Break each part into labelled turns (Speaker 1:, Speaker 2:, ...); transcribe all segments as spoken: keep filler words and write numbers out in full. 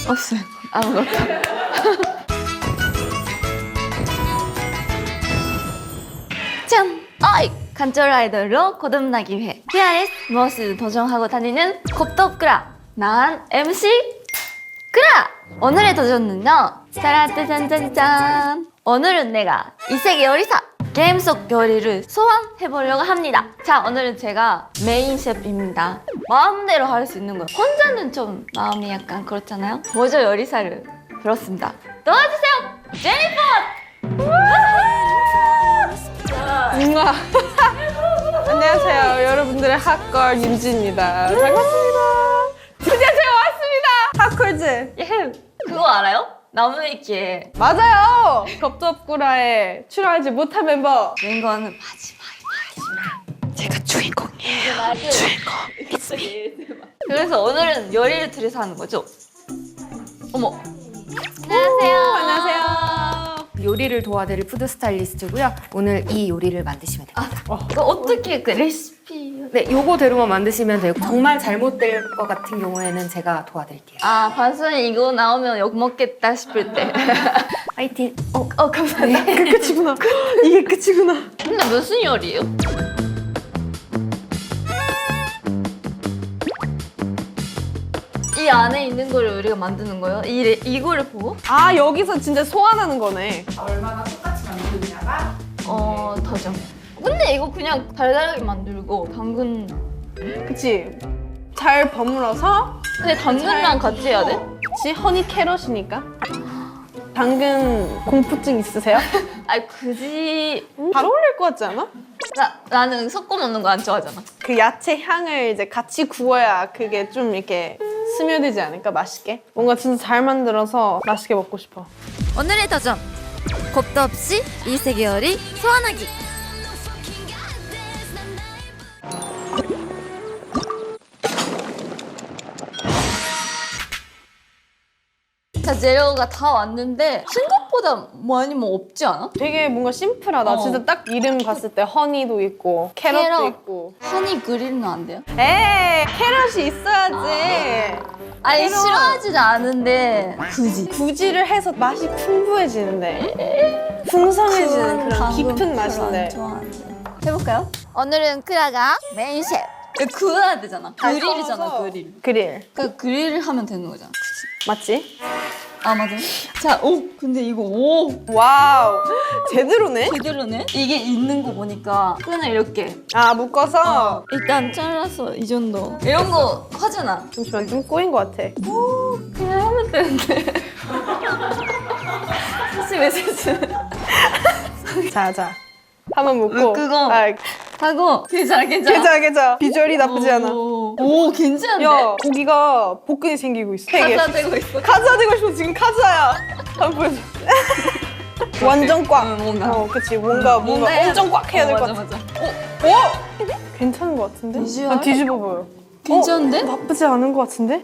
Speaker 1: 없어요. 아무것도. 짠! 어이! 간절 아이돌로 거듭나기 위해 티아르에스 무엇을 도전하고 다니는 곱덥그라! 난 엠씨 그라! 오늘의 도전은요. 짜라짜잔짠짠! 오늘은 내가 이세계 요리사! 게임 속 요리를 소환해보려고 합니다. 자, 오늘은 제가 메인 셰프입니다. 마음대로 할 수 있는 거예요. 혼자는 좀 마음이 약간 그렇잖아요. 먼저 요리사를 불렀습니다. 도와주세요! 제니퍼!
Speaker 2: 우와. 안녕하세요. 여러분들의 핫걸 윤지입니다. 반갑습니다. 드디어 제가 왔습니다. 핫걸즈.
Speaker 1: 예, 그거 알아요? 나무위키에
Speaker 2: 맞아요. 겁덥구라에 출연하지 못한 멤버.
Speaker 1: 주인공은 마지막에
Speaker 2: 제가 주인공이에요.
Speaker 1: 주인공. 그래서 오늘은 요리를 들여서 하는 거죠? 어머. 안녕하세요.
Speaker 2: 안녕하세요.
Speaker 3: 요리를 도와드릴 푸드 스타일리스트고요. 오늘 이 요리를 만드시면 됩니다.
Speaker 1: 이거 어떻게 그 레시피?
Speaker 3: 네, 요거대로만 만드시면 되고 정말 잘못될 것 같은 경우에는 제가 도와드릴게요.
Speaker 1: 아, 반순이 이거 나오면 욕 먹겠다 싶을 때.
Speaker 3: 파이팅!
Speaker 1: 어, 어 감사합니다.
Speaker 2: 그 끝이구나. 이게 끝이구나.
Speaker 1: 근데 무슨 요리예요? 이 안에 있는 거를 우리가 만드는 거예요? 이 레- 이거를 보고?
Speaker 2: 아, 여기서 진짜 소환하는 거네.
Speaker 1: 어, 더죠. 근데 이거 그냥 달달하게 만들고 당근.
Speaker 2: 그치? 잘 버무려서.
Speaker 1: 근데 당근이랑 같이 해야 돼?
Speaker 2: 그치? 허니 캐럿이니까. 당근 공포증 있으세요?
Speaker 1: 아니 굳이
Speaker 2: 잘 어울릴 것 같지 않아?
Speaker 1: 나 나는 섞어 먹는 거 안 좋아하잖아.
Speaker 2: 그 야채 향을 이제 같이 구워야 그게 좀 이렇게 스며들지 않을까? 맛있게? 뭔가 진짜 잘 만들어서 맛있게 먹고 싶어.
Speaker 1: 오늘의 도전. 겁도 없이 이세계 요리 소환하기. 자, 재료가 다 왔는데 생각보다 많이 뭐 없지 않아?
Speaker 2: 되게 뭔가 심플하다.
Speaker 1: 어.
Speaker 2: 진짜 딱 이름 봤을 때 허니도 있고 캐럿도
Speaker 1: 캐럿.
Speaker 2: 있고.
Speaker 1: 허니 그릴은 안 돼요?
Speaker 2: 에이, 캐럿이 있어야지.
Speaker 1: 아니
Speaker 2: 캐럿.
Speaker 1: 싫어하지는 않은데 굳이
Speaker 2: 구지를 해서 맛이 풍부해지는데 풍성해지는 그런
Speaker 1: 당근
Speaker 2: 깊은
Speaker 1: 별로
Speaker 2: 맛인데.
Speaker 1: 안 좋아하는데. 해볼까요? 오늘은 크라가 메인 셰프. 이거 구워야 되잖아. 그릴이잖아,
Speaker 2: 구워서.
Speaker 1: 그릴.
Speaker 2: 그릴
Speaker 1: 그 그릴을 하면 되는 거잖아. 그치?
Speaker 2: 맞지?
Speaker 1: 아 맞아. 자, 오 근데 이거 오
Speaker 2: 와우, 제대로네.
Speaker 1: 제대로네. 이게 있는 거 보니까 끈을 이렇게
Speaker 2: 아, 묶어서.
Speaker 1: 일단 잘라서 이 정도. 이런 거 하잖아.
Speaker 2: 잠시만, 좀 꼬인 것 같아.
Speaker 1: 그냥 하면 되는데. 사실 메시지.
Speaker 2: 자, 자, 한번 묶고.
Speaker 1: 그거.
Speaker 2: 아,
Speaker 1: 하고 괜찮아, 괜찮아.
Speaker 2: 괜찮아, 괜찮아. 비주얼이 나쁘지 않아.
Speaker 1: 오, 오 괜찮은데?
Speaker 2: 야, 고기가 복근이 생기고 있어. 세 개.
Speaker 1: 가사 되고 있어.
Speaker 2: 카즈아 되고 싶어. 지금 카즈아야. 한번 보여줘. 완전 꽉.
Speaker 1: 응, 뭔가.
Speaker 2: 어, 그치. 뭔가, 뭔가
Speaker 1: 해야
Speaker 2: 엄청
Speaker 1: 돼.
Speaker 2: 꽉 해야 될
Speaker 1: 어,
Speaker 2: 것
Speaker 1: 맞아,
Speaker 2: 같아.
Speaker 1: 맞아.
Speaker 2: 오! 괜찮은 것 같은데?
Speaker 1: 비주얼?
Speaker 2: 아, 뒤집어 보여.
Speaker 1: 괜찮은데?
Speaker 2: 어, 나쁘지 않은 것 같은데?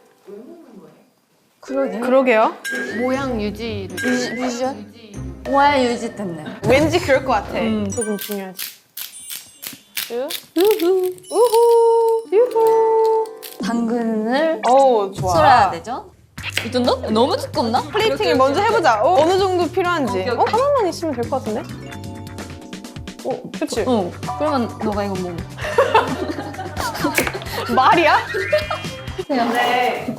Speaker 1: 그러게.
Speaker 2: 그러게요.
Speaker 3: 모양 유지를.
Speaker 1: 비주, 비주얼? 모양 유지 때문에.
Speaker 2: 왠지 그럴 것 같아.
Speaker 1: 음.
Speaker 2: 조금 중요하지. 우후. 우후. 유후.
Speaker 1: 당근을
Speaker 2: 어우, 좋아.
Speaker 1: 썰어야 되죠? 이 정도? 너무 두껍나?
Speaker 2: 플레이팅을 먼저 해보자. 어, 어느 정도 필요한지.
Speaker 1: 오케이, 오케이.
Speaker 2: 어? 하나만 있으면 될 것 같은데? 어, 그치?
Speaker 1: 어. 그러면 너가 이거 먹어.
Speaker 2: 말이야?
Speaker 1: 네.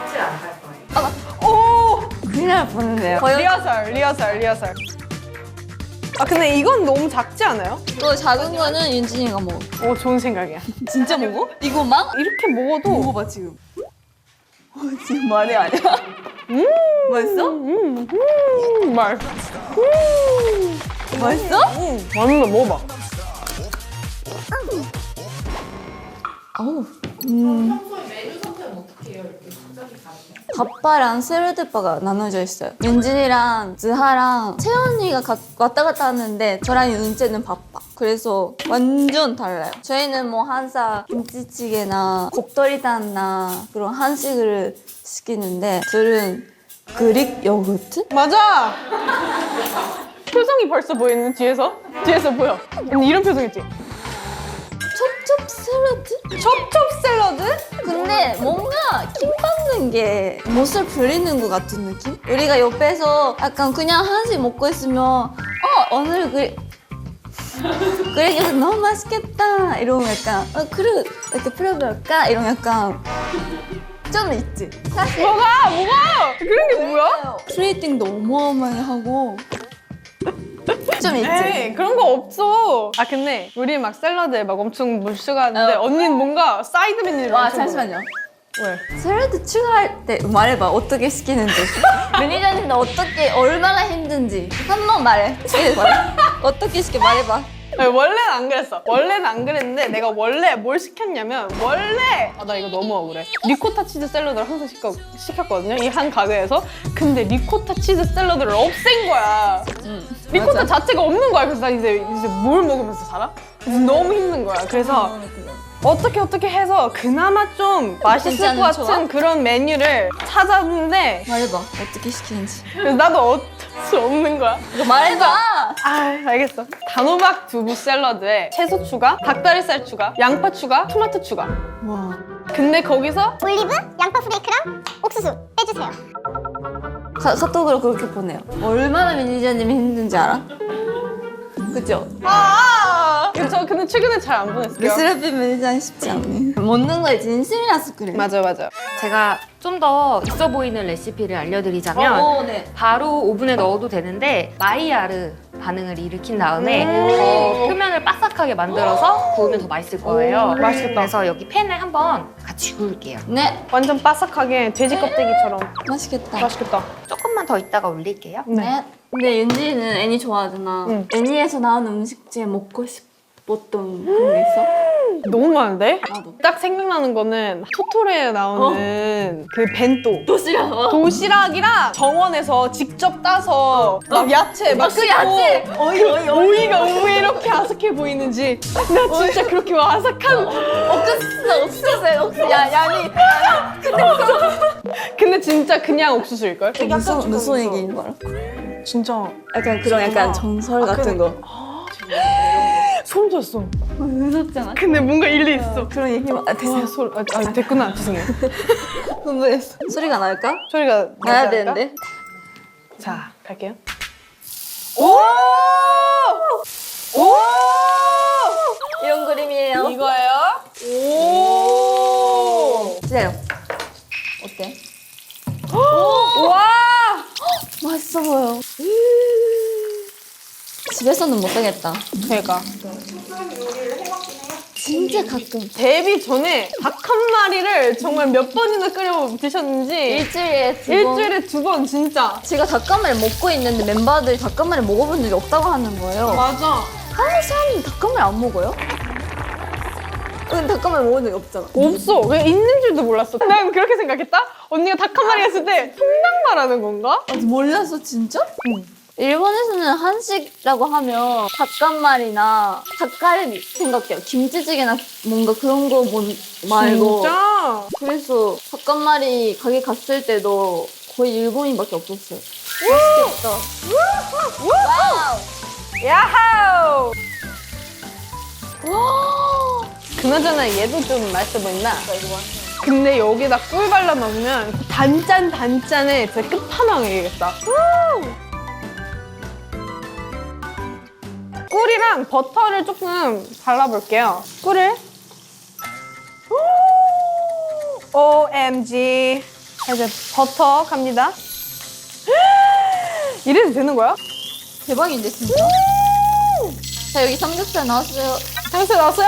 Speaker 2: 오!
Speaker 1: 그냥 보는데요.
Speaker 2: 리허설, 리허설, 리허설. 아, 근데 이건 너무 작지 않아요?
Speaker 1: 또 작은 거는 윤진이가 먹어.
Speaker 2: 오, 좋은 생각이야.
Speaker 1: 진짜 먹어? 이거 막?
Speaker 2: 이렇게 먹어도.
Speaker 1: 먹어봐 지금. 어, 지금 말이 아니야.
Speaker 2: 음!
Speaker 1: 맛있어?
Speaker 2: 음, 음, 말. 음!
Speaker 1: 맛있어?
Speaker 2: 음, 완전 먹어봐.
Speaker 1: 어우. 음. 밥바랑 샐러드바가 나눠져 있어요. 윤진이랑 즈하랑 채연이가 가- 왔다 갔다 하는데 저랑 윤재는 바빠. 그래서 완전 달라요. 저희는 뭐 항상 김치찌개나 곱돌이단나 그런 한식을 시키는데 둘은 그릭 요거트?
Speaker 2: 맞아! 표정이 벌써 보이는 뒤에서? 뒤에서 보여. 언니 이런 표정 있지?
Speaker 1: 첩첩스 샐러드?
Speaker 2: 첩첩 샐러드?
Speaker 1: 근데 뭔가 킹 받는 게 못을 부리는 것 같은 느낌? 우리가 옆에서 약간 그냥 한식 먹고 있으면 어 오늘 그 그래 이거 너무 맛있겠다 이러면 약간 어 그래 이렇게 풀어볼까 이러면 약간 좀 있지. 사실
Speaker 2: 뭐가? 뭐가? 그런 게 뭐야?
Speaker 1: 플레이팅도 어마어마하게 하고 좀 있지.
Speaker 2: 에이, 그런 거 없어. 아 근데 우리 막 샐러드에 막 엄청 물 추가하는데
Speaker 1: 어.
Speaker 2: 언니는 뭔가 사이드 메뉴를
Speaker 1: 와
Speaker 2: 엄청
Speaker 1: 잠시만요.
Speaker 2: 먹어요. 왜?
Speaker 1: 샐러드 추가할 때 말해봐 어떻게 시키는지 매니저님은 어떻게 얼마나 힘든지 한 번 말해. 이게 말해. 어떻게 시켜 말해봐.
Speaker 2: 아니, 원래는 안 그랬어. 원래는 안 그랬는데 내가 원래 뭘 시켰냐면 원래 아 나 이거 너무 억울해. 리코타 치즈 샐러드를 항상 시켜, 시켰거든요. 이 한 가게에서. 근데 리코타 치즈 샐러드를 없앤 거야.
Speaker 1: 응,
Speaker 2: 리코타
Speaker 1: 맞아.
Speaker 2: 자체가 없는 거야. 그래서 나 이제 이제 뭘 먹으면서 살아? 그래서 너무 힘든 거야. 그래서 어떻게 어떻게 해서 그나마 좀 맛있을 것
Speaker 1: 괜찮은
Speaker 2: 같은
Speaker 1: 조합?
Speaker 2: 그런 메뉴를 찾았는데
Speaker 1: 말해봐 어떻게 시키는지.
Speaker 2: 그래서 나도 어쩔 수 없는 거야.
Speaker 1: 이거 말해봐.
Speaker 2: 아 알겠어. 단호박 두부 샐러드에 채소 추가, 닭다리살 추가, 양파 추가, 토마토 추가.
Speaker 1: 와.
Speaker 2: 근데 거기서
Speaker 4: 올리브, 양파 프레이크랑 옥수수 빼주세요.
Speaker 1: 카, 카톡으로 그렇게 보내요. 얼마나 매니저님이 힘든지 알아? 그죠?
Speaker 2: 아, 저 근데 최근에 잘 안 보냈어요.
Speaker 1: 르스라피 매니저는 쉽지 않네. 먹는 거에 진심이라서 그래.
Speaker 2: 맞아 맞아.
Speaker 3: 제가 좀 더 있어 보이는 레시피를 알려드리자면
Speaker 1: 어, 네.
Speaker 3: 바로 오븐에 넣어도 되는데 마이야르 반응을 일으킨 다음에
Speaker 2: 음.
Speaker 3: 어, 표면을 바삭하게 만들어서 구우면 더 맛있을 거예요.
Speaker 2: 오, 맛있겠다.
Speaker 3: 그래서 여기 팬에 한번 같이 구울게요.
Speaker 1: 네.
Speaker 2: 완전 바삭하게 돼지 껍데기처럼
Speaker 1: 맛있겠다.
Speaker 2: 맛있겠다.
Speaker 3: 조금만 더 있다가 올릴게요.
Speaker 1: 네. 근데 윤지는 애니 좋아하잖아.
Speaker 2: 응.
Speaker 1: 애니에서 나오는 음식 중에 먹고 싶었던 그런 게 있어?
Speaker 2: 너무 많은데?
Speaker 1: 나도.
Speaker 2: 딱 생각나는 거는 토토로에 나오는 그 벤또.
Speaker 1: 도시락.
Speaker 2: 도시락이랑 정원에서 직접 따서 막 야채 막
Speaker 1: 그
Speaker 2: 씻고
Speaker 1: 야채! 어이, 어이, 어이.
Speaker 2: 오이가 왜 이렇게 아삭해 보이는지 나 진짜 그렇게 아삭한
Speaker 1: 옥수수, 옥수수, 옥수수. 야, 야니.
Speaker 2: 근데 진짜 그냥 옥수수일걸?
Speaker 1: 무슨, 무슨 얘기인 거야?
Speaker 2: 진짜
Speaker 1: 약간 그런 약간 전설 같은 거.
Speaker 2: 소름 돋았어.
Speaker 1: 무섭잖아.
Speaker 2: 근데 뭔가 일리 있어.
Speaker 1: 그런 얘기만. 아,
Speaker 2: 와,
Speaker 1: 됐어.
Speaker 2: 소, 아, 아, 됐구나. 죄송해요.
Speaker 1: 흥분했어. 소리가 날까?
Speaker 2: 소리가
Speaker 1: 나야
Speaker 2: 나지 않을까?
Speaker 1: 되는데.
Speaker 2: 자, 갈게요. 오! 오!
Speaker 1: 이런 그림이에요.
Speaker 2: 이거예요? 오!
Speaker 1: 기다려. 어때?
Speaker 2: 와!
Speaker 1: 맛있어 보여. 집에서는 못하겠다.
Speaker 2: 그러니까
Speaker 1: 진짜 가끔.
Speaker 2: 데뷔 전에 닭 한 마리를 정말 몇 번이나 끓여 드셨는지
Speaker 1: 일주일에 두 번.
Speaker 2: 일주일에 두 번 진짜.
Speaker 1: 제가 닭가마를 먹고 있는데 멤버들이 닭가마를 먹어본 적이 없다고 하는 거예요.
Speaker 2: 맞아.
Speaker 1: 한국 사람은 닭가마를 안 먹어요? 근데 닭가마를 먹은 적이 없잖아.
Speaker 2: 없어. 왜 있는 줄도 몰랐어. 난 그렇게 생각했다. 언니가 닭 한 마리 했을 때 통닭 말하는 건가?
Speaker 1: 아, 몰랐어 진짜? 응. 일본에서는 한식이라고 하면 닭간말이나 닭갈비 생각해요. 김치찌개나 뭔가 그런 거 본- 말고.
Speaker 2: 진짜?
Speaker 1: 그래서 닭간말이 가게 갔을 때도 거의 일본인밖에 없었어요. 맛있겠다. 와우!
Speaker 2: 야하우!
Speaker 1: 와!
Speaker 2: 그나저나 얘도 좀 맛있어 보인다. 근데 여기다 꿀 발라 먹으면 단짠 단짠의 진짜 끝판왕이겠다. 꿀이랑 버터를 조금 발라볼게요. 꿀을. 오엠지. 이제 버터 갑니다. 이래도 되는 거야?
Speaker 1: 대박인데 진짜? 자 여기 삼겹살 나왔어요.
Speaker 2: 향수 넣었어요?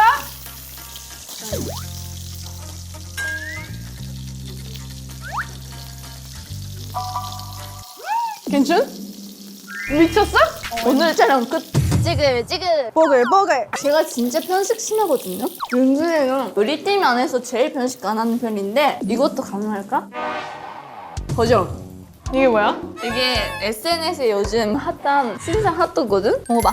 Speaker 2: 괜찮? 미쳤어?
Speaker 1: 오늘 촬영 끝. 찌글 찌글.
Speaker 2: 버글 버글.
Speaker 1: 제가 진짜 편식 심하거든요. 윤주이는 우리 팀 안에서 제일 편식 안 하는 편인데 이것도 가능할까? 도전.
Speaker 2: 이게 뭐야?
Speaker 1: 이게 에스엔에스에 요즘 핫한 신상 핫도그거든? 먹어봐.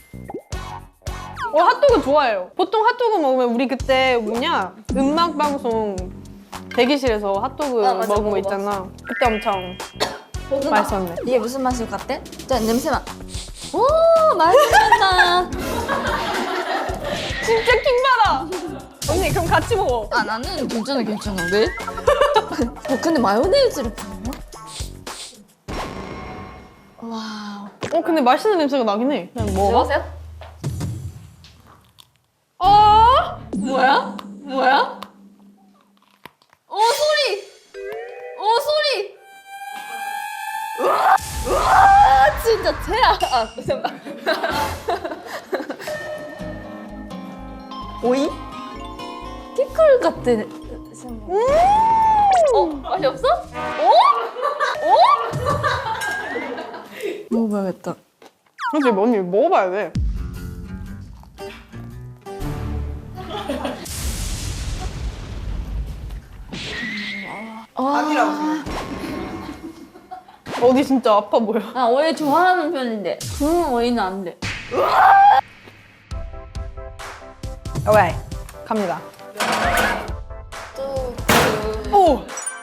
Speaker 2: 어, 핫도그 좋아해요. 보통 핫도그 먹으면 우리 그때 뭐냐 음악 방송 대기실에서 핫도그
Speaker 1: 아, 맞아,
Speaker 2: 먹은 거
Speaker 1: 먹어봤어.
Speaker 2: 있잖아. 그때 엄청 맛있었네.
Speaker 1: 이게 무슨 맛일 것 같아? 자 냄새만. 오 맛있겠다.
Speaker 2: 진짜 킹받아. 같이 먹어.
Speaker 1: 아 나는 괜찮아 괜찮아 왜? 어 근데 마요네즈를 부어? 와우.
Speaker 2: 어 근데 맛있는 냄새가 나긴 해. 그냥 먹어봐.
Speaker 1: 먹으세요?
Speaker 2: 어?
Speaker 1: 뭐야? 뭐야? 오 소리! 오 소리! 우와! 우와 진짜 최악! 아 잠깐. 오이? 피클 같은. 음~ 어 맛이 없어? 어? 어? 먹어봐야겠다.
Speaker 2: 그렇지 언니 먹어봐야 돼.
Speaker 1: 아니라고.
Speaker 2: 어디 진짜 아파 보여.
Speaker 1: 아 오이 좋아하는 편인데 구운 오이는 안 돼.
Speaker 2: 왜? 갑니다.
Speaker 1: 또
Speaker 2: 오!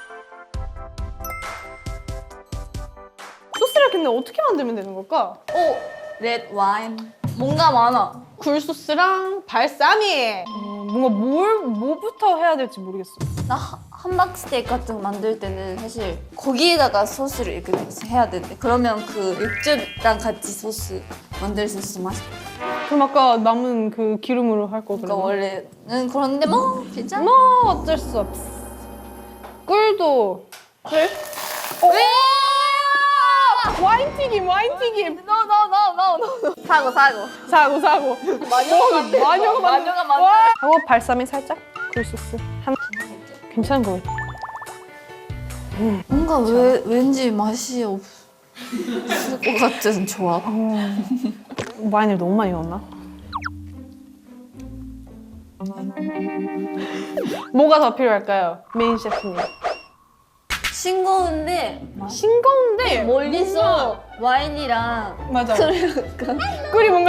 Speaker 2: 소스를 근데 어떻게 만들면 되는 걸까?
Speaker 1: 오! 레드 와인. 뭔가 많아.
Speaker 2: 굴소스랑 발사믹. 어, 뭔가 뭘 뭐부터 해야 될지 모르겠어.
Speaker 1: 나 하- 함박 스테이크 같은 거 만들 때는 사실 거기에다가 소스를 이렇게 해야 되는데 그러면 그 육즙이랑 같이 소스 만들 수 있어 맛있겠다.
Speaker 2: 그럼 아까 남은 그 기름으로 할 거
Speaker 1: 그러니까
Speaker 2: 그러면?
Speaker 1: 원래는 그런데 뭐 괜찮아.
Speaker 2: 뭐 어쩔 수 없어. 꿀도 꿀?
Speaker 1: 왜?
Speaker 2: 와인 튀김 와인 튀김.
Speaker 1: No no no no no. 사고 사고.
Speaker 2: 사고 사고.
Speaker 1: 마녀가 만든 거.
Speaker 2: 마녀가 만든
Speaker 1: 마녀가 만든
Speaker 2: 와. 하고 발사믹 살짝 굴소스 한 괜찮은 거 같아.
Speaker 1: 뭔가 왜 왠지 맛이 없을 것 같은 조합.
Speaker 2: 와인을 너무 많이 넣었나? 뭐가 더 필요할까요? 메인 셰프님.
Speaker 1: 싱거운데
Speaker 2: 싱거운데
Speaker 1: 멀리서 와인이랑
Speaker 2: 맞아.
Speaker 1: 그러니까
Speaker 2: 꿀이 뭔가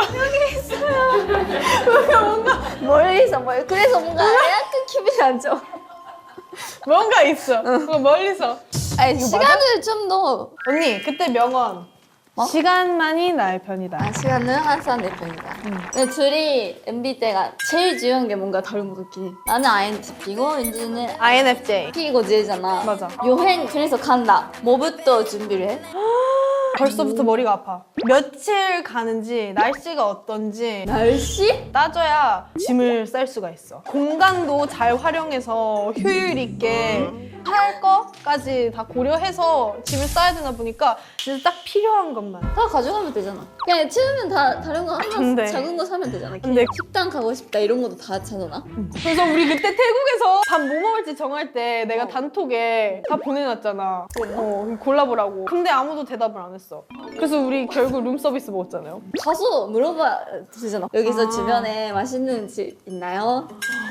Speaker 1: 멀리서 뭘 그래서 뭔가 약간 기분이 안 좋아.
Speaker 2: 뭔가 있어. 그거 멀리서.
Speaker 1: 아니 시간을 좀 더.
Speaker 2: 언니 그때 명언.
Speaker 1: 뭐?
Speaker 2: 시간만이 나의 편이다.
Speaker 1: 아 시간은 항상 내 편이다. 근데 둘이 엠비 때가 제일 중요한 게 뭔가 다른 것 같긴 해. 나는 아이엔티피고 윤지는
Speaker 2: 아이엔에프제이.
Speaker 1: P고 J잖아.
Speaker 2: 맞아.
Speaker 1: 여행 그래서 간다. 뭐부터 준비를 해?
Speaker 2: 벌써부터 머리가 아파. 며칠 가는지 날씨가 어떤지
Speaker 1: 날씨?
Speaker 2: 따져야 짐을 쌀 수가 있어. 공간도 잘 활용해서 효율 있게 할 거까지 다 고려해서 짐을 싸야 되나 보니까 진짜 딱 필요한 것만.
Speaker 1: 다 가져가면 되잖아. 그냥 치우면 다 다른 거 하나
Speaker 2: 근데-
Speaker 1: 작은 거 사면 되잖아.
Speaker 2: 근데-
Speaker 1: 식당 가고 싶다 이런 것도 다 찾아놔.
Speaker 2: 그래서 우리 그때 태국에서 밥 뭐 먹을지 정할 때 내가 단톡에 다 보내놨잖아. 어, 골라보라고. 근데 아무도 대답을 안 했어. 그래서 우리 결국 룸서비스 먹었잖아요.
Speaker 1: 가서 물어봐 되잖아. 여기서 주변에 맛있는 집 있나요?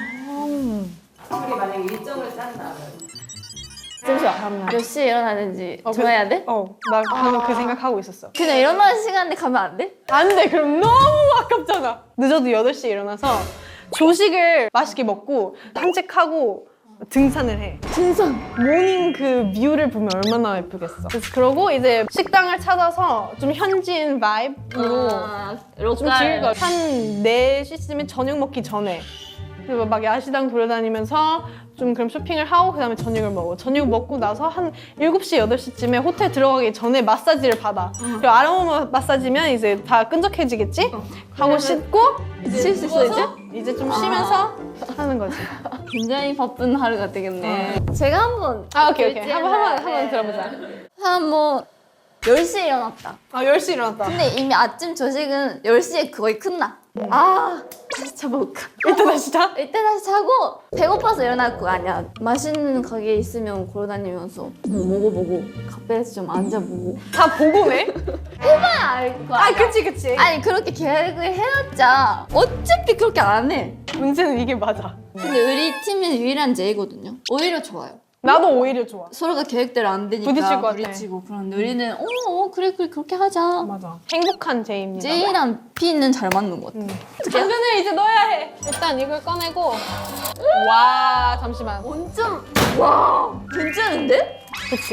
Speaker 3: 우리 만약에 일정을 짠다면
Speaker 1: 잠시만. 몇 시에 일어나는지
Speaker 2: 어,
Speaker 1: 정해야 돼?
Speaker 2: 어, 나 방금 그 생각하고 있었어.
Speaker 1: 그냥 일어나는 시간에 가면 안 돼?
Speaker 2: 안 돼. 그럼 너무 아깝잖아. 늦어도 여덟 시에 일어나서 조식을 맛있게 먹고 산책하고 등산을 해.
Speaker 1: 등산.
Speaker 2: 모닝 그 뷰를 보면 얼마나 예쁘겠어. 그래서 그러고 이제 식당을 찾아서 좀 현지인 바이브로
Speaker 1: 아,
Speaker 2: 좀 즐겨. 한 네 시쯤에 저녁 먹기 전에. 그리고 막 야시장 돌아다니면서 좀 그럼 쇼핑을 하고 그다음에 저녁을 먹어. 저녁 먹고 나서 한 일곱 시, 여덟 시쯤에 호텔 들어가기 전에 마사지를 받아. 그리고 아로마 마사지면 이제 다 끈적해지겠지? 하고 씻고
Speaker 1: 쉴 수 있어 이제?
Speaker 2: 이제 좀 쉬면서 하는 거지.
Speaker 1: 굉장히 바쁜 하루가 되겠네. 제가 한번
Speaker 2: 아, 오케이, 오케이.
Speaker 1: 결제를
Speaker 2: 한번, 한번,
Speaker 1: 해.
Speaker 2: 한번 들어보자.
Speaker 1: 한뭐 열 시에 일어났다.
Speaker 2: 아, 열 시 일어났다.
Speaker 1: 근데 이미 아침 조식은 열 시에 거의 끝나. 아, 다시 자볼까?
Speaker 2: 일단 다시 자?
Speaker 1: 이때 다시 자고 배고파서 일어날 거 아니야. 맛있는 가게 있으면 걸어다니면서 뭐 먹어보고 카페에서 좀 앉아보고
Speaker 2: 다 보고네?
Speaker 1: 해봐야 알 거
Speaker 2: 아,
Speaker 1: 아니야.
Speaker 2: 그치, 그치.
Speaker 1: 아니 그렇게 계획을 해놨자 어차피 그렇게 안 해.
Speaker 2: 문제는 이게 맞아.
Speaker 1: 근데 우리 팀이 유일한 제이거든요. 오히려 좋아요.
Speaker 2: 나도 오히려 좋아.
Speaker 1: 서로가 계획대로 안 되니까
Speaker 2: 부딪힐 것 같아.
Speaker 1: 부딪히고 그런데 우리는 어, 어 그래 그래 그렇게 하자.
Speaker 2: 맞아. 행복한 제이입니다.
Speaker 1: 제이랑 P는 잘 맞는 것 같아.
Speaker 2: 당근을 이제 넣어야 해. 일단 이걸 꺼내고. 와, 잠시만.
Speaker 1: 완전 와 괜찮은데?
Speaker 2: 그치.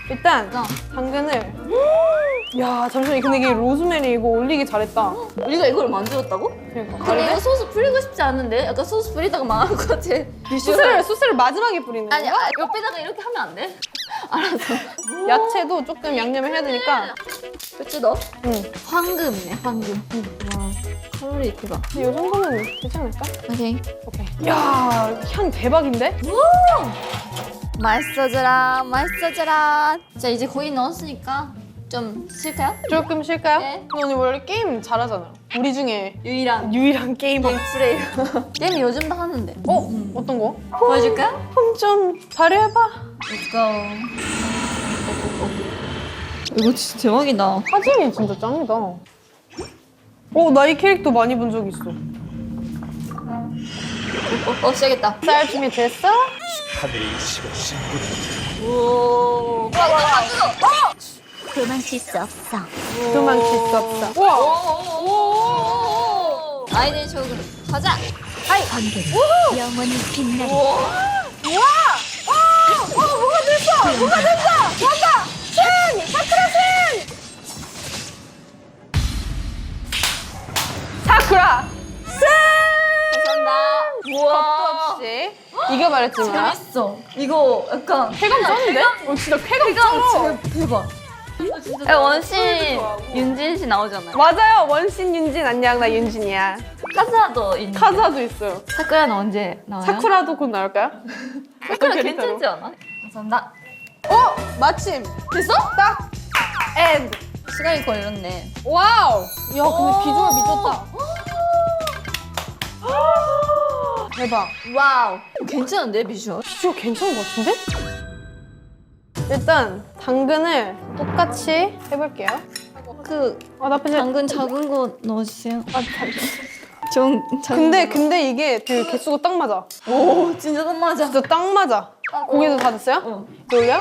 Speaker 2: 일단
Speaker 1: 어.
Speaker 2: 당근을 야 잠시만 근데 이게 로즈메리 이거 올리기 잘했다.
Speaker 1: 우리가 이걸 만들었다고?
Speaker 2: 그러니까
Speaker 1: 근데
Speaker 2: 다른데?
Speaker 1: 이거 소스 뿌리고 싶지 않은데? 약간 소스 뿌리다가 망할 것 같아.
Speaker 2: 소스를 소스를 마지막에 뿌리는 거야?
Speaker 1: 아니, 아, 옆에다가 이렇게 하면 안 돼? 알았어.
Speaker 2: 야채도 조금 양념을 해야 되니까.
Speaker 1: 그치, 너?
Speaker 2: 응.
Speaker 1: 황금이네, 황금. 와, 칼로리 대박.
Speaker 2: 근데 이 정도면 되지 않을까?
Speaker 1: 오케이.
Speaker 2: 오케이. 야, 향 대박인데?
Speaker 1: 맛있어져라, 맛있어져라. 자, 이제 거의 넣었으니까 좀 쉴까요?
Speaker 2: 조금 쉴까요?
Speaker 1: 네.
Speaker 2: 너 언니 원래 게임 잘하잖아. 우리 중에
Speaker 1: 유일한
Speaker 2: 유일한 게이머.
Speaker 1: 플레이. 게임 요즘도 하는데.
Speaker 2: 어? 어떤 거?
Speaker 1: 보여줄까?
Speaker 2: 홈 좀 발휘해봐.
Speaker 1: Let's go. 이거 진짜 대박이다.
Speaker 2: 사진이 진짜 짱이다. 어, 나 이 캐릭터 많이 본 적 있어.
Speaker 1: 어, 어 시작했다.
Speaker 2: 쌀 준비 됐어?
Speaker 5: 하늘의 이치가 신부를
Speaker 1: 오. 와, 와, 와, 뜨거.
Speaker 4: 도망칠 수 없어.
Speaker 2: 도망칠 수 없어. 우와!
Speaker 1: 오. 아이들 쇼그룹 가자.
Speaker 4: 번개는 영원히 빛나리.
Speaker 2: 사쿠라!
Speaker 1: 감사합니다.
Speaker 2: 겁도
Speaker 1: 우와.
Speaker 2: 없이 이겨버렸지만.
Speaker 1: 재밌어. 이거 약간
Speaker 2: 쾌감 쩌는데? 어, 진짜 쾌감 쩔어.
Speaker 1: 대박. 야, 원신 윤진 씨 나오잖아요.
Speaker 2: 맞아요. 원신 윤진 안녕. 나 윤진이야.
Speaker 1: 카즈아도 있는.
Speaker 2: 카즈아도 있어요.
Speaker 1: 사쿠라는 언제 나와요?
Speaker 2: 사쿠라도 곧 나올까요?
Speaker 1: 사쿠라
Speaker 2: 캐릭터로?
Speaker 1: 괜찮지 않아? 감사합니다.
Speaker 2: 어! 마침!
Speaker 1: 됐어?
Speaker 2: 딱! 엔드!
Speaker 1: 시간이 걸렸네.
Speaker 2: 와우! 야 근데 비주얼 미쳤다. 대박.
Speaker 1: 와우. 괜찮은데 비주얼?
Speaker 2: 비주얼 괜찮은 것 같은데? 일단 당근을 똑같이 해볼게요.
Speaker 1: 그
Speaker 2: 아 나쁘지 않...
Speaker 1: 당근 작은 거 넣어주세요. 아, 좀 작은
Speaker 2: 근데
Speaker 1: 거.
Speaker 2: 근데 이게 그 개수가 딱 맞아.
Speaker 1: 오 진짜 딱 맞아.
Speaker 2: 진짜 딱 맞아. 고기도 다 됐어요?
Speaker 1: 어.
Speaker 2: 이제 올려?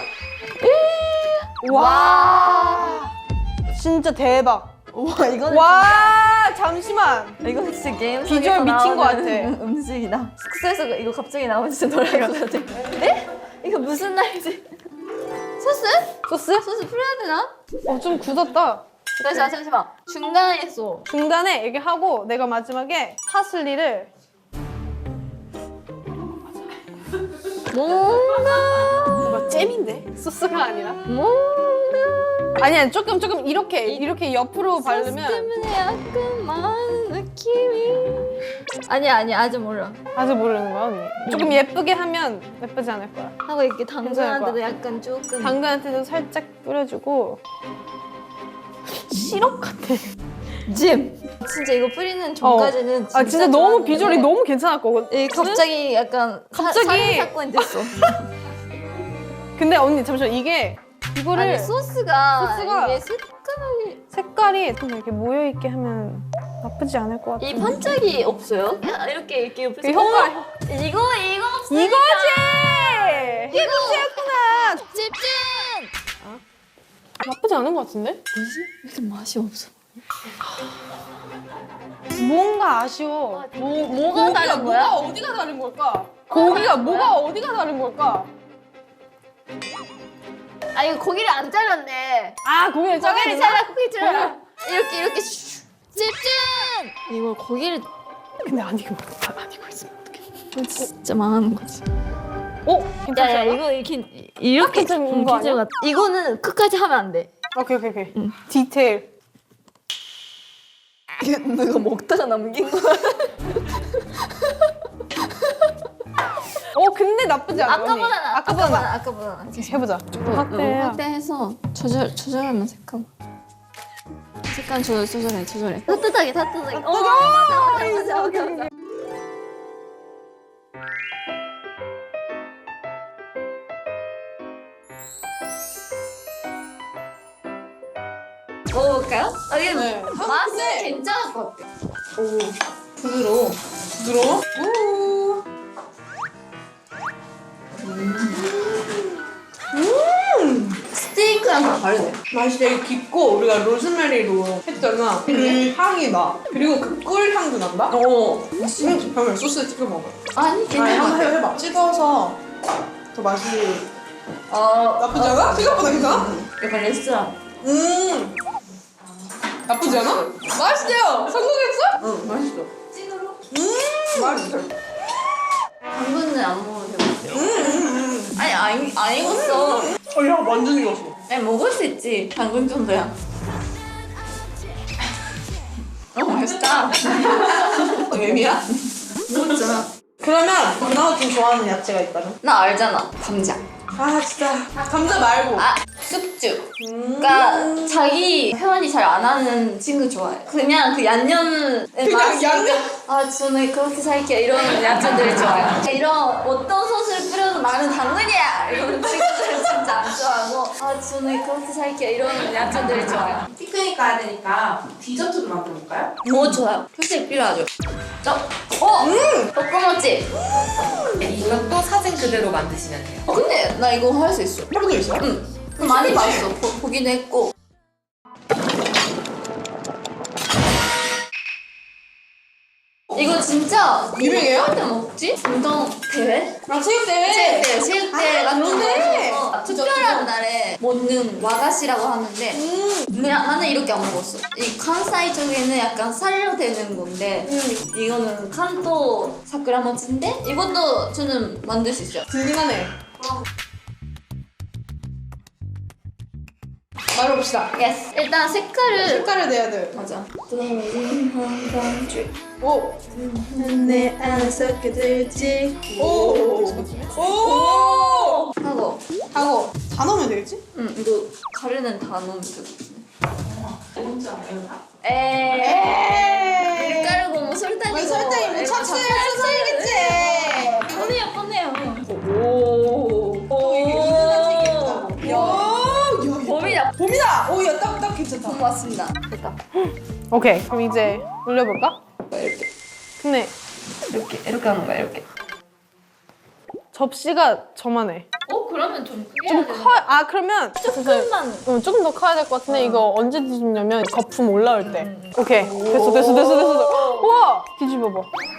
Speaker 2: 와 진짜 대박.
Speaker 1: 와 이거는
Speaker 2: 와 잠시만.
Speaker 1: 진짜, 이거 진짜 게임
Speaker 2: 비주얼
Speaker 1: 속에서
Speaker 2: 미친 것
Speaker 1: 나오는
Speaker 2: 같아.
Speaker 1: 음식이다. 숙소에서 이거 갑자기 나오면 진짜 놀랄 것 같아. 에? 이거 무슨 날이지? 소스?
Speaker 2: 소스?
Speaker 1: 소스 풀어야 되나?
Speaker 2: 어 좀 굳었다.
Speaker 1: 잠시만 잠시만. 중간에 써.
Speaker 2: 중간에 이렇게 하고 내가 마지막에 파슬리를
Speaker 1: 뭔가
Speaker 2: 뭔가 잼인데? 소스가 아니라?
Speaker 1: 뭔가
Speaker 2: 아니야 조금 조금 이렇게 이렇게 옆으로
Speaker 1: 소스
Speaker 2: 바르면
Speaker 1: 때문에 약간 많은 느낌이 아니야 아니야 아직 몰라.
Speaker 2: 아직 모르는 거야 언니. 조금 예쁘게 하면 예쁘지 않을 거야.
Speaker 1: 하고 이렇게 당근한테도
Speaker 2: 거야.
Speaker 1: 약간 조금
Speaker 2: 당근한테도 살짝 뿌려주고 시럽 같아.
Speaker 1: 잼. 진짜 이거 뿌리는 전까지는
Speaker 2: 아 진짜 너무
Speaker 1: 좋았는데
Speaker 2: 비주얼이 너무 괜찮았거든.
Speaker 1: 이 갑자기 약간
Speaker 2: 갑자기-
Speaker 1: 살인 사건이 됐어.
Speaker 2: 근데 언니 잠시만 이게 이거를
Speaker 1: 아니 소스가
Speaker 2: 소스가
Speaker 1: 이게 색깔이
Speaker 2: 색깔이 좀 이렇게 모여 있게 하면 나쁘지 않을 것 같아.
Speaker 1: 이 반짝이 없어요? 야, 이렇게 이렇게 옆에서
Speaker 2: 이 효과
Speaker 1: 어머! 이거 이거 없으니까
Speaker 2: 이거지. 이거지였구나.
Speaker 1: 집중.
Speaker 2: 나쁘지 않은 것 같은데?
Speaker 1: 뭐지? 이렇게 맛이 없어.
Speaker 2: 뭔가 아쉬워.
Speaker 1: 뭐 뭐가 다른 거야?
Speaker 2: 뭐가 어디가 다른 걸까? 고기가 뭐가 어디가 다른 걸까?
Speaker 1: 아 이거 고기를 안 잘랐네.
Speaker 2: 아 고기를 잘라야
Speaker 1: 고기를
Speaker 2: 되나?
Speaker 1: 잘라 고기 잘라. 이렇게 이렇게 슉. 집중. 이걸 고기를
Speaker 2: 근데 안 익으면 안, 안 익어 있으면 어떡해.
Speaker 1: 진짜 망하는 거지.
Speaker 2: 어? 괜찮지
Speaker 1: 야야
Speaker 2: 않아?
Speaker 1: 이거 이렇게 이렇게
Speaker 2: 괜찮은
Speaker 1: 응,
Speaker 2: 거 아니야?
Speaker 1: 괜찮은 것 같아. 이거는 끝까지 하면 안 돼.
Speaker 2: 오케이 오케이 오케이.
Speaker 1: 응.
Speaker 2: 디테일.
Speaker 1: 이게 내가 먹다가 남긴 거야.
Speaker 2: 어 근데 나쁘지 않아. 언니.
Speaker 1: 아까보다 나.
Speaker 2: 아까보다 나.
Speaker 1: 아까보다 나.
Speaker 2: 해보자. 확대.
Speaker 1: 확대해서 조절 조절하면 색감. 색감 조절 조절해 조절해. 따뜻하게 따뜻하게. 어 맞아 맞아 맞아 맞아. 맞아. 먹어볼까요? 아, 이게
Speaker 2: 네.
Speaker 1: 맛은
Speaker 2: 근데-
Speaker 1: 괜찮을 것 같아. 오, 부드러워.
Speaker 2: 부드러워? 우.
Speaker 1: 스테이크랑 다 다르네.
Speaker 6: 맛이 되게 깊고 우리가 로즈메리로 했잖아. 그 향이 나. 그리고 그 꿀 향도 난다. 어. 음, 그러면 소스에 찍어 먹어.
Speaker 1: 아니,
Speaker 6: 아니
Speaker 1: 괜찮은 것
Speaker 6: 한번
Speaker 1: 같아.
Speaker 6: 해봐. 찍어서 더 맛이
Speaker 1: 어,
Speaker 6: 나쁘지 않아? 생각보다 괜찮아?
Speaker 1: 약간 레스토랑.
Speaker 6: 음. 나쁘지 않아? 맛있대요. 성공했어?
Speaker 3: 응, 맛있어.
Speaker 6: 음. 맛있어.
Speaker 1: 당근은 안 먹어도 되고. 아니, 안, 안 익었어.
Speaker 6: 어, 야, 완전 익었어.
Speaker 1: 아니, 먹을 수 있지. 당근 정도야. 어, 맛있다.
Speaker 6: 애미야?
Speaker 1: 먹었잖아.
Speaker 6: 그러면 누나가 좀 좋아하는 야채가 있다면?
Speaker 1: 나 알잖아. 감자.
Speaker 6: 아, 진짜. 감자 말고.
Speaker 1: 아, 쑥주. 그러니까 자기 표현이 잘 안 하는 친구 좋아해. 그냥 그 양념
Speaker 6: 그냥 양념?
Speaker 1: 아 저는 그렇게 살게요 이런 야채들이 좋아요. 이런 어떤 소스를 뿌려도 나는 당근이야 이런 친구들은 진짜 안 좋아하고 아 저는 그렇게 살게요 이런 야채들이 좋아요.
Speaker 3: 피크닉 가야 되니까 디저트도 만들어볼까요?
Speaker 1: 오 좋아요. 휴식 필요하죠. 저, 어, 음, 볶음모찌.
Speaker 3: 이것도 사진 그대로 만드시면 돼요.
Speaker 1: 어 근데 나 이거 할 수 있어.
Speaker 6: 해본 적 있어?
Speaker 1: 응. 많이 봤어. 보, 보기도 했고. 이거 진짜
Speaker 6: 유명해요?
Speaker 1: 할 때 먹지? 운동 대회?
Speaker 6: 아, 체육대회?
Speaker 1: 체육대회, 체육대회
Speaker 6: 아,
Speaker 1: 같은
Speaker 6: 그런데?
Speaker 1: 거 특별한 날에 먹는 와가시라고 하는데
Speaker 6: 음.
Speaker 1: 그냥 나는 이렇게 안 먹었어. 이関西 쪽에는 약간 살로 되는 건데
Speaker 6: 음.
Speaker 1: 이거는 칸토 사쿠라모치인데 이것도 저는 만들 수 있어요.
Speaker 6: 들긴 하네. 말해봅시다.
Speaker 1: 예스. 일단 색깔을
Speaker 6: 색깔을 내야 돼.
Speaker 1: 맞아.
Speaker 6: 오. 내 안에서 그들지. 오. 오.
Speaker 1: 하고
Speaker 6: 하고 다 넣으면 되겠지?
Speaker 1: 응 이거 가루는 다 넣으면 되거든.
Speaker 3: 뭔지 알아요?
Speaker 1: 에이.
Speaker 6: 에이.
Speaker 1: 밀가루고 뭐 설탕이고.
Speaker 6: 왜 설탕이 뭐 천천히 설탕이겠지.
Speaker 1: 뻔해요 뻔해요.
Speaker 6: 오. 오. 이게 은은한 색이다.
Speaker 1: 야.
Speaker 6: 야.
Speaker 1: 봄이다.
Speaker 6: 봄이다. 오, 야, 딱, 딱 괜찮다.
Speaker 1: 봄 왔습니다. 됐다.
Speaker 2: 오케이. 그럼 이제 올려볼까?
Speaker 1: 이렇게
Speaker 2: 근데
Speaker 1: 이렇게 이렇게 하는 거야 이렇게.
Speaker 2: 접시가 저만해.
Speaker 1: 어 그러면 좀 크게
Speaker 2: 좀
Speaker 1: 해야 되는
Speaker 2: 커. 아 그러면
Speaker 1: 조금만.
Speaker 2: 응, 조금 더 커야 될 것 같은데 이거 언제 뒤집냐면 거품 올라올 때. 오케이. 됐어, 됐어, 됐어, 됐어. 우와! 뒤집어봐.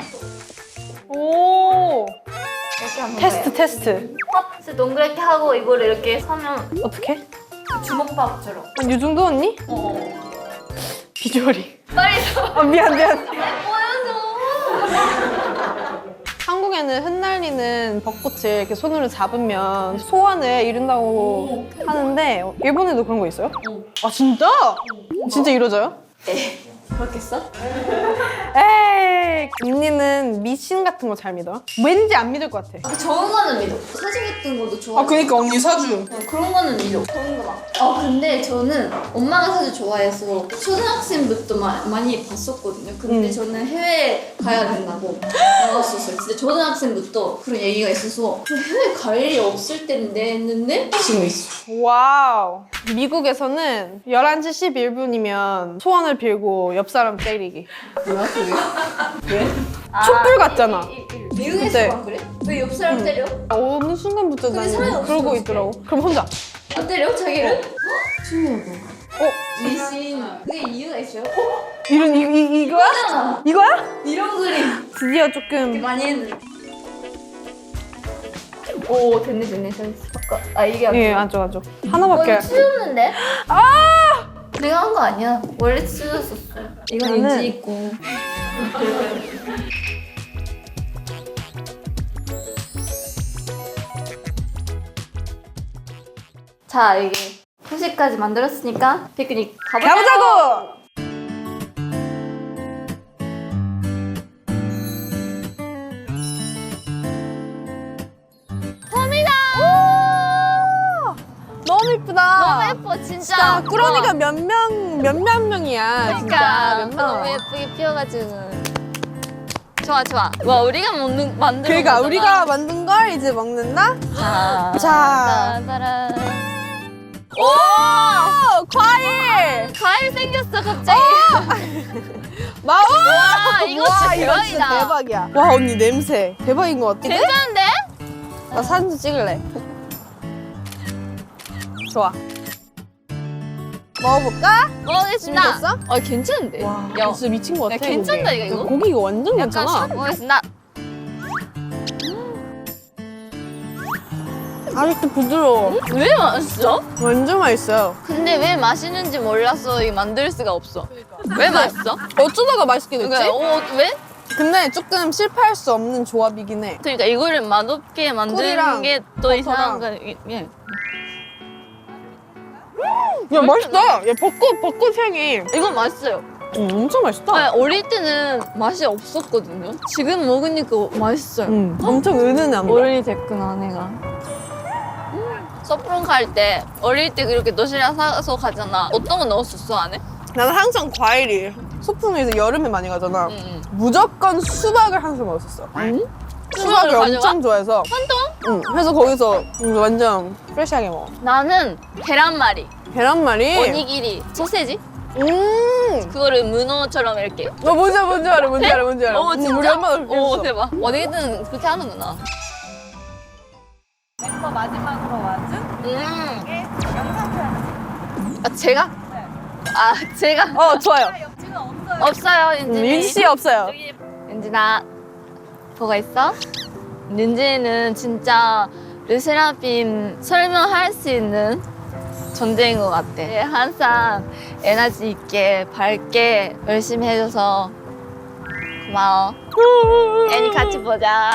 Speaker 2: 오.
Speaker 1: 이렇게 하는
Speaker 2: 테스트,
Speaker 1: 거예요.
Speaker 2: 테스트.
Speaker 1: 팝스 동그랗게 하고 이거를 이렇게 하면
Speaker 2: 어떻게?
Speaker 1: 주먹밥처럼.
Speaker 2: 이 정도 언니?
Speaker 1: 어.
Speaker 2: 비주얼이.
Speaker 1: 빨리 줘.
Speaker 2: 아 미안, 미안.
Speaker 1: 보여줘.
Speaker 2: 한국에는 흩날리는 벚꽃을 이렇게 손으로 잡으면 소원을 이룬다고 하는데 일본에도 그런 거 있어요? 아 진짜? 진짜 이루어져요?
Speaker 1: 그렇겠어?
Speaker 2: 에이 언니는 미신 같은 거 잘 믿어? 왠지 안 믿을 것 같아.
Speaker 1: 아, 좋은 거는 믿어. 사진 같은 것도 좋아.
Speaker 6: 아, 그니까 언니 사주.
Speaker 1: 어, 그런 거는 믿어. 좋은 거 막. 아 근데 저는 엄마가 사실 좋아해서 초등학생부터 마, 많이 봤었거든요. 근데
Speaker 2: 음.
Speaker 1: 저는 해외 가야 된다고 나왔었어요. 진짜 초등학생부터 그런 얘기가 있어서 해외 갈 일이 없을 텐데 했는데 지금 있어.
Speaker 2: 와우. 미국에서는 열한 시 십일 분이면 소원을 빌고 옆 사람 때리기.
Speaker 1: 뭐야 그게? 왜?
Speaker 2: 촛불 같잖아.
Speaker 1: 미국에서만 그래? 왜 옆 사람 때려?
Speaker 2: 어느 순간부터
Speaker 1: 근데 사람이
Speaker 2: 나는
Speaker 1: 없으면
Speaker 2: 그러고
Speaker 1: 어떡해?
Speaker 2: 있더라고. 그럼 혼자.
Speaker 1: 안 때려? 자기를? 신기하다.
Speaker 2: 어?
Speaker 1: 미신. 그게 이유가 있어요?
Speaker 2: 이런 이, 이, 이거야?
Speaker 1: 이거잖아.
Speaker 2: 이거야?
Speaker 1: 이런 그림.
Speaker 2: 드디어 조금
Speaker 1: 많이 했는데. 오 됐네 됐네 됐네. 잠깐. 아 이게 안
Speaker 2: 예,
Speaker 1: 돼.
Speaker 2: 안쪽 안쪽. 하나밖에.
Speaker 1: 이건 치웠는데?
Speaker 2: 아!
Speaker 1: 내가 한 거 아니야. 원래 치웠었어. 이건
Speaker 2: 나는-
Speaker 1: 인지 있고. 자 이게 후식까지 만들었으니까 피크닉 가보자.
Speaker 2: 가보자고! 너무 이쁘다.
Speaker 1: 너무 예뻐 진짜.
Speaker 2: 진짜 꾸러미가 몇 명, 몇몇 명이야. 진짜
Speaker 1: 그러니까
Speaker 2: 몇 명.
Speaker 1: 너무 예쁘게 피어가지고. 좋아 좋아. 와 우리가 먹는 만든.
Speaker 2: 그러니까 우리가 만든 걸 이제 먹는다?
Speaker 1: 자.
Speaker 2: 자.
Speaker 1: 따라란.
Speaker 2: 오! 과일!
Speaker 1: 과일 생겼어 갑자기.
Speaker 2: 마우!
Speaker 1: 와 이거 진짜
Speaker 2: 와, 이거 진짜
Speaker 1: 대박이다.
Speaker 2: 대박이야. 와, 언니 냄새. 대박인 것 같아.
Speaker 1: 괜찮은데?
Speaker 2: 나 사진 좀 찍을래. 좋아. 먹어볼까?
Speaker 1: 먹겠습니다.
Speaker 2: 준비됐어?
Speaker 1: 어 괜찮은데?
Speaker 2: 와,
Speaker 1: 야,
Speaker 2: 진짜 미친 것 같아.
Speaker 1: 야, 괜찮다,
Speaker 2: 고기.
Speaker 1: 이거, 이거?
Speaker 2: 고기 이거 완전
Speaker 1: 약간
Speaker 2: 괜찮아.
Speaker 1: 샷 먹겠습니다.
Speaker 2: 아직도 부드러워.
Speaker 1: 왜 맛있어?
Speaker 2: 완전 맛있어요.
Speaker 1: 근데 왜 맛있는지 몰라서 이 만들 수가 없어. 왜 맛있어?
Speaker 2: 어쩌다가 맛있게 됐지?
Speaker 1: 그러니까 어, 왜?
Speaker 2: 근데 조금 실패할 수 없는 조합이긴 해.
Speaker 1: 그러니까 이거를 맛없게 만드는
Speaker 2: 꿀이랑
Speaker 1: 게 또 이상한 거.
Speaker 2: 버터랑.
Speaker 1: 예.
Speaker 2: 야 맛있다. 야 벚꽃 벚꽃 향이.
Speaker 1: 이건 맛있어요.
Speaker 2: 음, 엄청 맛있다.
Speaker 1: 아니, 어릴 때는 맛이 없었거든요. 지금 먹으니까 맛있어요.
Speaker 2: 음, 엄청 은은함.
Speaker 1: 어른이 됐구나 내가. 음, 서프론 갈 때 어릴 때 그렇게 도시락 사서 가잖아. 어떤 거 넣었었어 안에?
Speaker 2: 나는 항상 과일이 소풍에서 여름에 많이 가잖아.
Speaker 1: 응, 응.
Speaker 2: 무조건 수박을 항상 먹었었어.
Speaker 1: 응?
Speaker 2: 수박을
Speaker 1: 수박을
Speaker 2: 엄청 좋아해서.
Speaker 1: 한동?
Speaker 2: 응. 그래서 거기서 완전 프레시하게 먹어.
Speaker 1: 나는 계란말이,
Speaker 2: 계란말이.
Speaker 1: 오니기리, 소세지
Speaker 2: 음.
Speaker 1: 그거를 문어처럼 이렇게.
Speaker 2: 어 뭔지 알아, 뭔지 알아, 뭔지 알아, 뭔지 알아.
Speaker 1: 어
Speaker 2: 음,
Speaker 1: 진짜?
Speaker 2: 우리 엄마도 그렇게
Speaker 1: 오
Speaker 2: 했어.
Speaker 1: 대박. 어디든 그렇게 하는구나.
Speaker 3: 멤버 마지막으로 와준
Speaker 1: 음.
Speaker 3: 게 영상 편지.
Speaker 1: 아 제가? 아 제가
Speaker 2: 어 좋아요.
Speaker 3: 지금 없어요.
Speaker 1: 없어요
Speaker 2: 음,
Speaker 1: 윤진이.
Speaker 2: 윤씨 없어요.
Speaker 1: 윤진아 보고 있어? 윤진이는 진짜 르세라핌 설명할 수 있는 존재인 것 같아. 항상 에너지 있게 밝게 열심히 해줘서 고마워. 애니 같이 보자.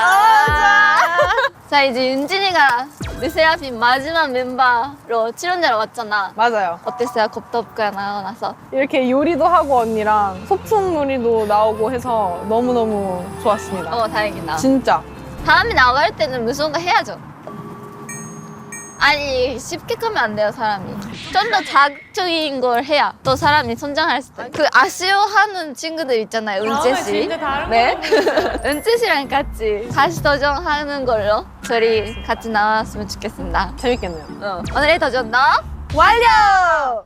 Speaker 1: 자 이제 윤진이가 르세라핌 마지막 멤버로 출연자로 왔잖아.
Speaker 2: 맞아요.
Speaker 1: 어땠어요? 겁덥가 나가고 나서.
Speaker 2: 이렇게 요리도 하고 언니랑 소풍 놀이도 나오고 해서 너무너무 좋았습니다.
Speaker 1: 어 다행이다.
Speaker 2: 진짜.
Speaker 1: 다음에 나갈 때는 무슨 거 해야죠. 아니 쉽게 가면 안 돼요 사람이. 좀 더 자극적인 걸 해야 또 사람이 성장할 수 있어요. 그 아쉬워하는 친구들 있잖아요. 은재 씨.
Speaker 3: 진짜 다른
Speaker 1: 네. 은재 씨랑 같이 다시 도전하는 걸로 저희 같이 나왔으면 좋겠습니다.
Speaker 2: 재밌겠네요.
Speaker 1: 어. 오늘의 도전 너
Speaker 2: 완료!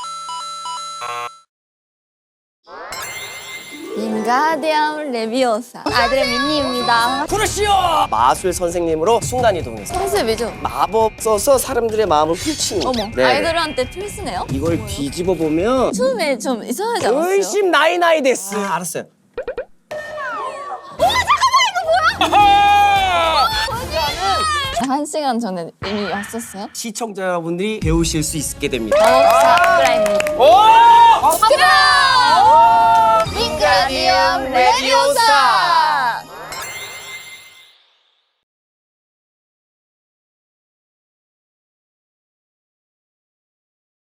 Speaker 1: 윙가디엄 레비오사 아들의 민니입니다.
Speaker 7: 부르시오! 마술 선생님으로 순간이동해서
Speaker 1: 컨셉이죠?
Speaker 7: 마법 써서 사람들의 마음을 훔치는
Speaker 1: 어머
Speaker 7: 네.
Speaker 1: 아이돌한테 필수네요?
Speaker 7: 이걸 뒤집어 보면
Speaker 1: 처음에 좀 이상하지 않았어요?
Speaker 7: 훨씬 나이 나이 됐어. 아, 알았어요.
Speaker 1: 한 시간 전에 이미 왔었어요?
Speaker 7: 시청자 여러분들이 배우실 수 있게 됩니다.
Speaker 1: 마법사 브라인드
Speaker 7: 오!
Speaker 1: 윙가디엄 레비오사